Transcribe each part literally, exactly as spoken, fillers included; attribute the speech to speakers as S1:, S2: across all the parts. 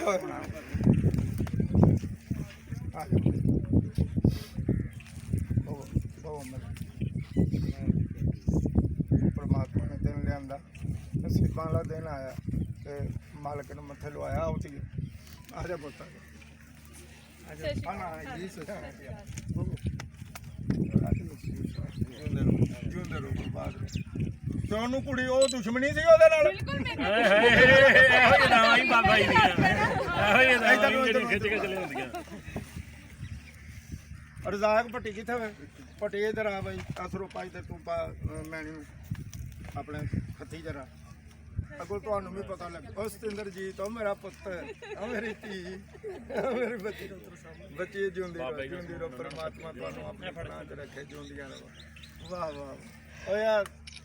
S1: परमात्मा ने दिन लिया नसीबा वाला दिन आया तो मालिक ने मत्थे लवाया उठ गए आ जा पुत ਤੁਹਾਨੂੰ ਕੁੜੀ ਉਹ ਦੁਸ਼ਮਣੀ ਸੀ ਉਹਦੇ ਨਾਲ ਰਜ਼ਾਕ ਭੱਟੀ ਕਿੱਥੇ ਵੇ ਭੱਟੀ ਇਧਰ ਆ ਬਾਈ ਅਸਰੋ ਪਾਈ ਤੇ ਤੂੰ ਪਾ ਮੈਣੀ ਨੂੰ ਆਪਣੇ ਹੱਥੀ ਜਰਾ ਅੱਗੋਂ ਤੁਹਾਨੂੰ ਵੀ ਪਤਾ ਲੱਗ ਉਹ ਸਤਿੰਦਰਜੀਤ ਉਹ ਮੇਰਾ ਪੁੱਤ ਉਹ ਮੇਰੀ ਧੀ ਉਹ ਮੇਰੀ ਬੱਚੀ ਬੱਚੀ ਜਿਉਂਦੀ ਰਹੋ ਜਿਉਂਦੀ ਰਹੋ ਪਰਮਾਤਮਾ ਤੁਹਾਨੂੰ ਆਪਣੇ ਫੜਾਂ 'ਚ ਰੱਖੇ ਜਿਉਂਦੀਆਂ ਰਹੋ ਵਾਹ ਵਾਹ ਓ ਯਾਰ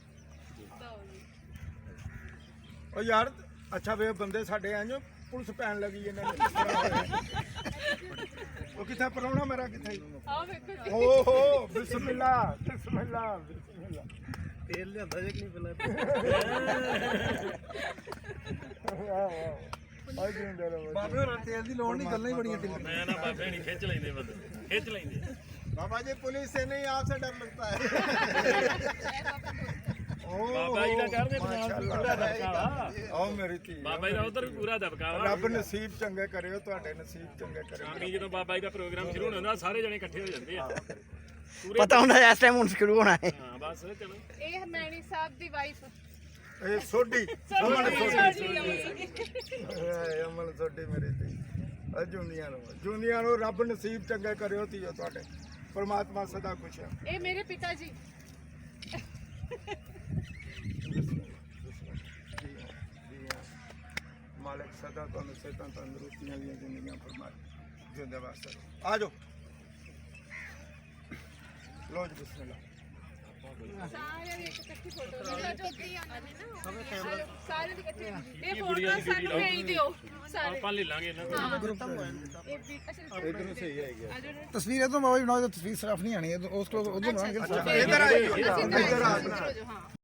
S1: ਓ ਯਾਰ ਅੱਛਾ ਵੇ ਬੰਦੇ ਸਾਡੇ ਆਏ ਜੋ ਪੁਲਿਸ ਪੈਣ ਲੱਗੀ ਇਹਨਾਂ ਨੇ ਉਹ ਕਿੱਥੇ ਪਰਾਉਣਾ ਮੇਰਾ ਕਿੱਥੇ ਓਹੋ ਬਿਸਮਿਲ੍ਲਾ ਬਿਸਮਿਲ੍ਲਾ ਬਿਸਮਿਲ੍ਲਾ ਤੇਲ ਲਿਆਂਦਾ ਜੇ ਨਹੀਂ ਪਹਿਲਾਂ ਆ ਜਿੰਦਾ ਰੋ ਬਾਬੇ ਹੋਰਾਂ ਤੇਲ ਦੀ ਲੋੜ ਨਹੀਂ ਗੱਲਾਂ ਹੀ ਬੜੀਆਂ ਤੇਲ ਮੈਂ ਨਾ ਬਾਬੇ ਨਹੀਂ ਖਿੱਚ ਲੈਂਦੇ ਬੰਦੇ ਖਿੱਚ ਲੈਂਦੇ बाबा जी पुलिस से नहीं आपसे डर लगता है बाबा जी का कर दे पूरा दबकावा ओ मेरी थी बाबा जी का उधर पूरा दबकावा रब नसीब चंगे करे ਤੁਹਾਡੇ ਨਸੀਬ ਚੰਗੇ ਕਰੇ ਸ਼ਾਮੀ ਜਦੋਂ ਬਾਬਾ ਜੀ ਦਾ ਪ੍ਰੋਗਰਾਮ ਸ਼ੁਰੂ ਹੁੰਦਾ ਸਾਰੇ ਜਣੇ ਇਕੱਠੇ ਹੋ ਜਾਂਦੇ ਆ
S2: ਪਤਾ ਹੁੰਦਾ ਇਸ ਟਾਈਮ ਹੁਣ ਸ਼ੁਰੂ ਹੋਣਾ ਹੈ
S1: ਹਾਂ ਬਸ ਚਲੋ
S3: ਇਹ ਮੈਣੀ ਸਾਹਿਬ ਦੀ ਵਾਈਫ
S1: ਇਹ ਸੋਢੀ ਅਮਨ ਸੋਢੀ ਅਮਨ ਸੋਢੀ ਮੇਰੀ ਥੀ ਜੁੰਦੀਆਂ ਨੂੰ ਜੁੰਦੀਆਂ ਨੂੰ ਰੱਬ ਨਸੀਬ ਚੰਗੇ ਕਰਿਓ ਧੀਓ ਤੁਹਾਡੇ परमात्मा सदा खुश है
S3: ये मेरे पिताजी
S1: मालिक सदा तो सेहत तंदुरुस्तियां दी जिंदगियां फरमाए जिंदे वास्ते आ जाओ लो जी बिस्मिल्लाह
S3: सारे ਦੀ ਇਕੱਠੀ ਫੋਟੋ ਜੋਤੀ ਆਂਦੇ ਨੇ ਨਾ ਸਾਰੇ ਦੀ ਇਕੱਠੀ ਇਹ ਫੋਟੋ ਸਾਨੂੰ ਭੇਜ ਦਿਓ ਸਾਰੇ
S1: ਆਪਾਂ ਲੈ ਲਾਂਗੇ ਇਹਨਾਂ ਕੋਲ ਗਰੁੱਪ
S3: ਇਹ ਵੀ ਅੱਛਾ
S1: ਇਧਰ ਸਹੀ ਆਏਗਾ
S2: ਤਸਵੀਰ ਇਹ ਤੋਂ ਬਾਬਾ ਜੀ ਬਣਾਓ ਤਸਵੀਰ ਸਿਰਫ ਨਹੀਂ ਆਣੀ ਉਸ ਕੋਲ ਉਧਰ ਬਣਾਉਣਗੇ
S1: ਇਧਰ ਆਇਓ ਇਧਰ ਆ
S3: ਹਾਂ